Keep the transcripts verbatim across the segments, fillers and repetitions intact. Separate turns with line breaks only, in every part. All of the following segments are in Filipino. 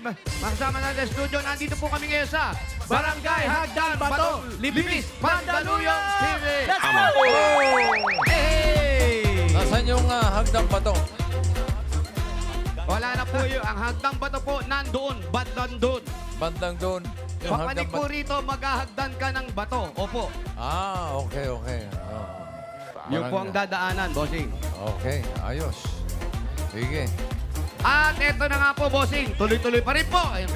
Makasama natin sa studio. Nandito po kami ngayon sa Barangay Hagdan Bato, Libis, Mandaluyong T V.
Let's go!
Hey!
Nasaan yung uh, hagdang bato?
Wala na po yun. Ang Hagdan Bato po nandoon, bandang doon.
Bandang doon. Yung
Papanik
hagdang
po
bato.
rito, maghahagdan ka ng bato. Opo.
Ah, okay, okay. Oh.
Yun po ang dadaanan, bossing.
Okay, ayos. Sige.
At eto na nga po, bossing. Tuloy-tuloy pa rin po. Ayun.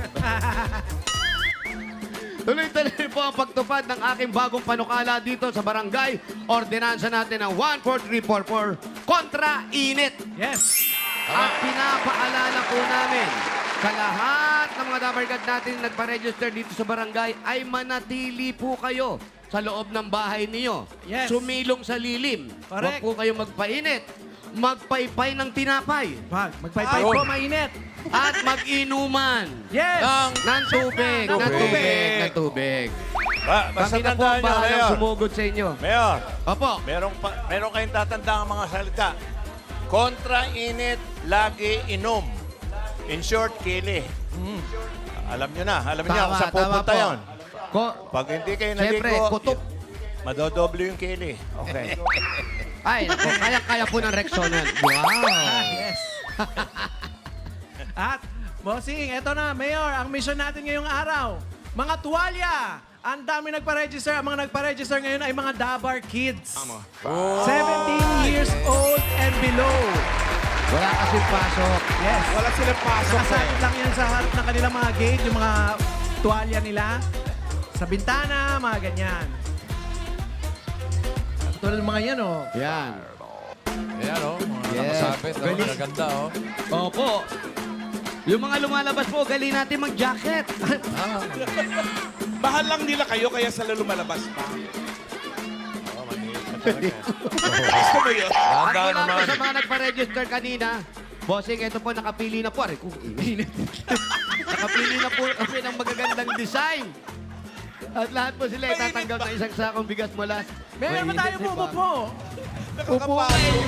Tuloy-tuloy po ang pagtupad ng aking bagong panukala dito sa barangay. Ordinansa natin ng one four three four four kontra init.
Yes!
At pinapaalala po namin sa lahat ng mga dabarkad natin na nagpa-register dito sa barangay ay manatili po kayo sa loob ng bahay niyo.
Yes.
Sumilong sa lilim. Huwag
Correct.
po kayo magpainit. Magpaypay ng tinapay.
Wag, magpaypay
Ayun.
po, mainit.
At mag-inuman.
Yes!
Ng
Ng tubig.
Ng
Ng
tubig.
tubig. Ng tubig.
Ba, basta
Kami na po ang
tandaan nyo,
bahalang
Mayor.
sumugod sa inyo.
Mayor,
Opo.
meron, pa, meron kayong tatandaan ang mga salita. Kontra init, lagi inom. In short, kili. Alam nyo na, alam nyo kung saan pupunta yun.
Ko,
Pag hindi kayo
Siyempre,
naligo,
kutob.
madodoble yung kili. Okay.
ay, naku, kaya-kaya po ng Rexona. Wow.
Yes! At, bossing, eto na, Mayor, ang mission natin ngayong araw. Mga tuwalya! Ang dami nagpa-register. Ang mga nagpa-register ngayon ay mga Dabar Kids.
Oh.
seventeen years old and below.
Wala kasing pasok.
Yes.
Wala silang pasok eh.
Nakasakit lang yan sa harap ng kanilang mga gate, yung mga tuwalya nila. Sa bintana, mga ganyan. Tulad ng mga yan, oh.
Yan.
Ayan, oh. Mga
Yes.
nakasabit. Oh,
Galing.
magaganda, oh.
Opo. Yung mga lumalabas po, galing natin mag-jacket.
Ah,
Bahal lang nila kayo kaya sila lumalabas pa.
Oh, maliit na talaga.
Gusto mo yun?
At
Handa
mula po
naman.
sa mga nagpa-register kanina, bossing, ito po, nakapili na po. Aray, kung init. Nakapili na po kasi ng magagandang design. At lahat po sila itatanggap na isang sakong bigas mula.
Mayor, ba tayo
Mainit, di ba?
po?
Upo kayo.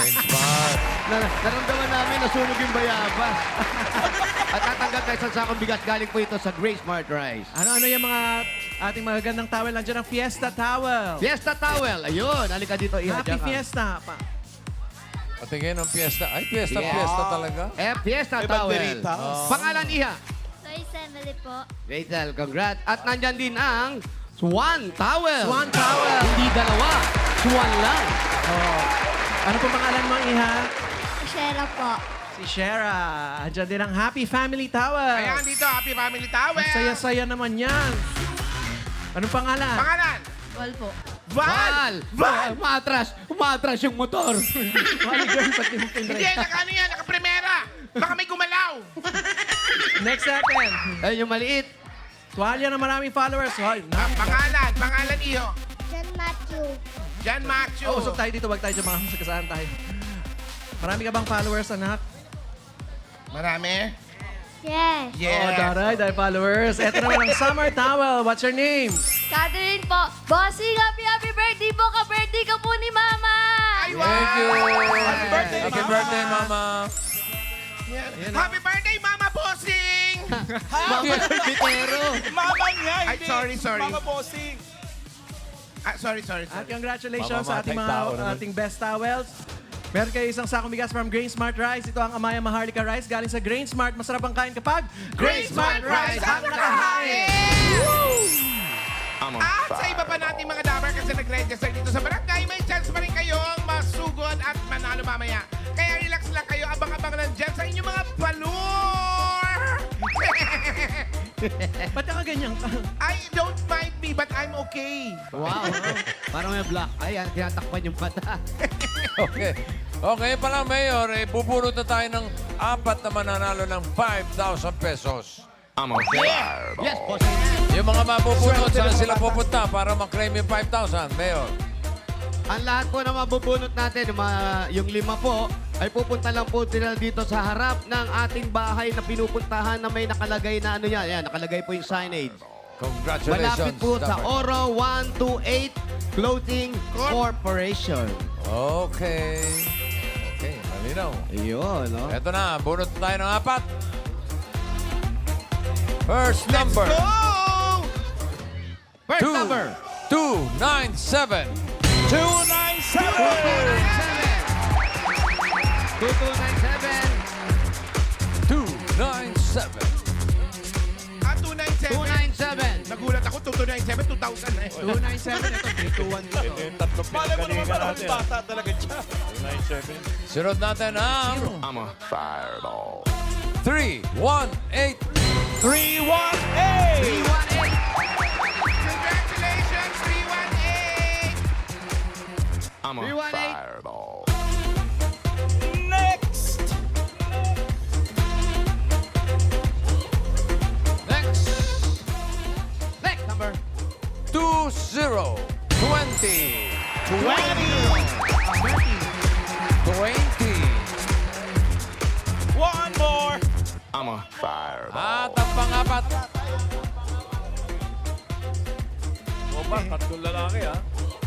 Na, naramdaman namin nasunog yung bayabas. At tatanggap na isang sakong bigas galing po ito sa Grace Smart Rice.
Ano-ano yung mga ating magagandang towel? Nandiyan ang Fiesta Towel.
Fiesta Towel. Ayun, halika dito. Iha,
Happy
dyan ka.
Fiesta. Pa.
Patingin ng piyesta. Ay, piyesta,
Yes.
piyesta talaga.
Eh, Fiesta
May
Towel.
banderita.
Pangalan, Iha.
Soy Emily po.
Rachel, congrats. At nandyan din ang Swan Towel.
Swan Towel.
Hindi dalawa. Swan lang.
Oh. Ano po pangalan mo, Iha?
Shera po.
Si Shera. Andiyan din ang Happy Family Towel.
Ayan dito, Happy Family Towel.
Ang saya-saya naman yan. Anong pangalan?
Pangalan?
Wal po.
Val!
Val. Val. Umatras. Umatras yung motor.
Wally girl, pati mo
Hindi,
pinray.
naka ano yan, naka-primera. Baka may gumalaw.
Next second.
Ayun yung maliit.
Tuwalya na maraming followers. Hoy,
Ah,
na.
pangalan, pangalan iyo.
John Matthew.
John Macho.
Oh, usap tayo dito. Wag tayo dyan mga masagasahan tayo. Marami ka bang followers, anak?
Marami?
Yes.
Oh, daray, dahil followers. Ito naman ang Summer Towel. What's your name?
Catherine po. Bossing, happy happy birthday po. Ka-birthday ka po ni Mama.
Ay, wow!
Thank you.
Happy birthday,
Happy
Mama.
birthday, Mama.
Happy birthday, Mama Bossing!
Mga bitero.
Mama niya, Ay, sorry, sorry. Mama Bossing. Ah, sorry, sorry,
At
sorry.
congratulations sa ating
Mamamatay
mga
tao naman.
ating best towels. Meron kayo isang sakong bigas from Grain Smart Rice. Ito ang Amaya Maharlika Rice galing sa Grain Smart. Masarap ang kain kapag
Grain Smart Rice ang nakahain! At sa iba pa nating mga dabar kasi nag-register dito sa barangay, may chance pa rin kayong masugod at manalo mamaya. Kaya relax lang kayo, abang-abang lang dyan sa inyong mga palur!
Ba't ka ganyan ka?
I don't mind me, but I'm okay.
Wow. Parang may black eye. ah, Tinatakpan yung mata.
Okay. Okay pala, Mayor. Eh, bubunot na tayo ng apat na mananalo ng five thousand pesos.
Yes, bossing.
Yung mga mabubunot, saan sila pupunta para maklaim yung five thousand, Mayor?
Ang lahat po na mabubunot natin, yung, mga, yung lima po, ay pupunta lang po sila dito sa harap ng ating bahay na pinupuntahan na may nakalagay na ano yan. Yan, nakalagay po yung signage.
Congratulations.
Malapit po sa
Dapat.
Oro one two eight Clothing Corporation.
Okay. Okay, malinaw.
Ayun, no?
Eto na, bunot tayo ng apat. First number.
Go!
First
Two.
number.
two nine seven.
two nine seven.
two two nine seven.
two nine seven.
Ah, two nine
two
seven.
nine seven.
Nagulat ako, two two nine seven, two thousand na eh.
two nine seven, ito, three two one dito.
Ito yung tatlong
Malay mo naman
pinagalingan
parang
natin.
bata talaga siya.
two nine seven.
Sunod natin ang... I'm a fireball. three one eight.
three one eight.
three one eight.
Congratulations, three one eight!
three one eight.
Next.
Next.
Next number.
two zero twenty.
twenty.
twenty.
One more.
At ang pangapat.
O ba, tatlong lalaki ha?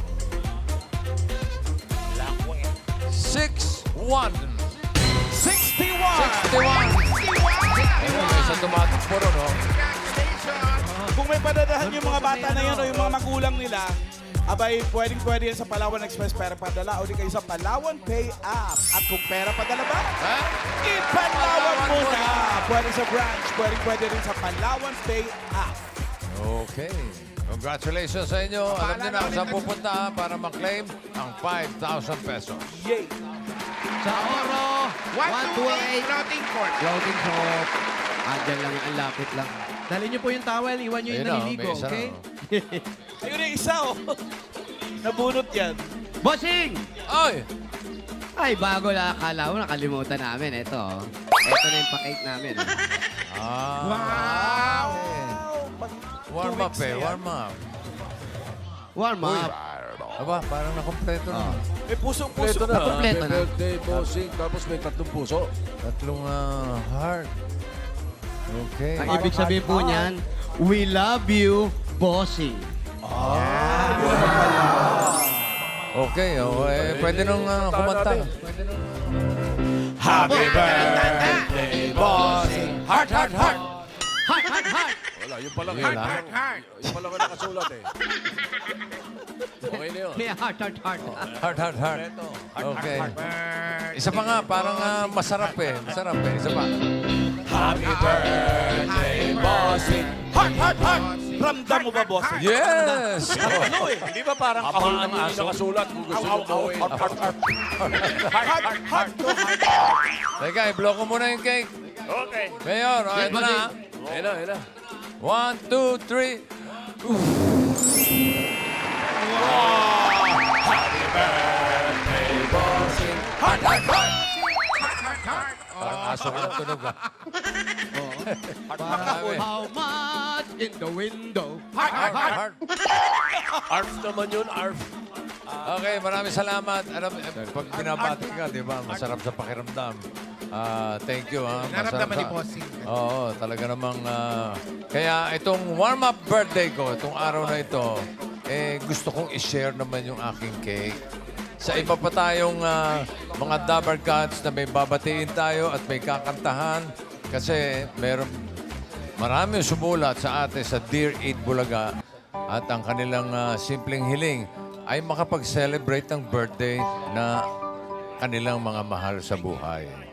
six one.
sixty-one.
sixty-one. Ayun, may isa tumatakbo ron, no?
Congratulations!
Kung may padadahan yung mga bata na yan o yung mga magulang nila, abay, pwedeng pwede yan sa Palawan Express pera padala o di kayo sa Palawan Pay App. At kung pera padala ba,
Ha?
ipalawan mo na. Pwede sa branch, pwede pwede rin sa Palawan Pay App.
Okay. Congratulations sa inyo. Alam niyo na kung saan pupunta ha, para maklaim ang five thousand pesos.
Yay!
Sa Oro.
one two eight floating court.
Floating shop. Andyan lang, ang lapit lang.
Dali niyo po yung towel, iwan niyo yung
Ayun na, oh,
naliligo,
may isa
okay?
na, oh.
Ayun yung isa oh. Nabunot yan.
Bossing!
Ay!
Ay, bago na. Akala ko nakalimutan namin. Ito, oh. Ito na yung pa-cake namin. oh.
Ah.
Wow!
Warm up eh, warm up.
Warm up.
Aba, parang nakompleto na.
May puso-puso.
Kompleto na.
Kompleto na.
birthday, bossing. Tapos may tatlong puso. Tatlong ah, heart. Okay.
Ang ibig sabihin po niyan, we love you, Bossing.
Okay, oh, eh, pwede nung ah, kumanta.
Happy birthday, bossing.
Heart, heart, heart.
Heart, heart, heart!
Wala, yun pala.
Heart, heart, heart.
Yung pala ko nakasulat eh. Okay na yun.
May heart, heart, heart.
Heart, heart, heart. Okay. Isa pa nga, parang ah, masarap eh. Masarap eh. Isa pa.
Happy birthday, bossing. Heart, heart, heart. Ramdam mo ba, bossing?
Yes!
Ano eh?
Di ba parang kahon ng aso?
nakasulat kung gusto nyo gawin.
Heart, heart, heart.
Teka, i-blow ko muna yung cake.
Okay.
Mayor, oh,
Yes,
ito na.
bossing.
Ayun na, ayun na. One, two, three.
Heart, heart, heart.
Parang aso ko yung tunog ah.
How, how much in the window?
Heart, heart, heart.
Heart.
Arf naman yun, arf.
Okay, maraming salamat. Alam, eh, pag binabati ka, di ba, masarap sa pakiramdam. Ah, thank you, ha. Masarap
Naramdaman ni
sa-
Bossing.
Oo, talaga namang... ah, kaya itong warm-up birthday ko, itong araw na ito, eh, gusto kong i-share naman yung aking cake. Sa iba pa tayong ah, mga Dabber Cats na may babatiin tayo at may kakantahan kasi meron marami sumulat sa atin sa Dear Eat Bulaga at ang kanilang ah, simpleng hiling ay makapag-celebrate ng birthday na kanilang mga mahal sa buhay.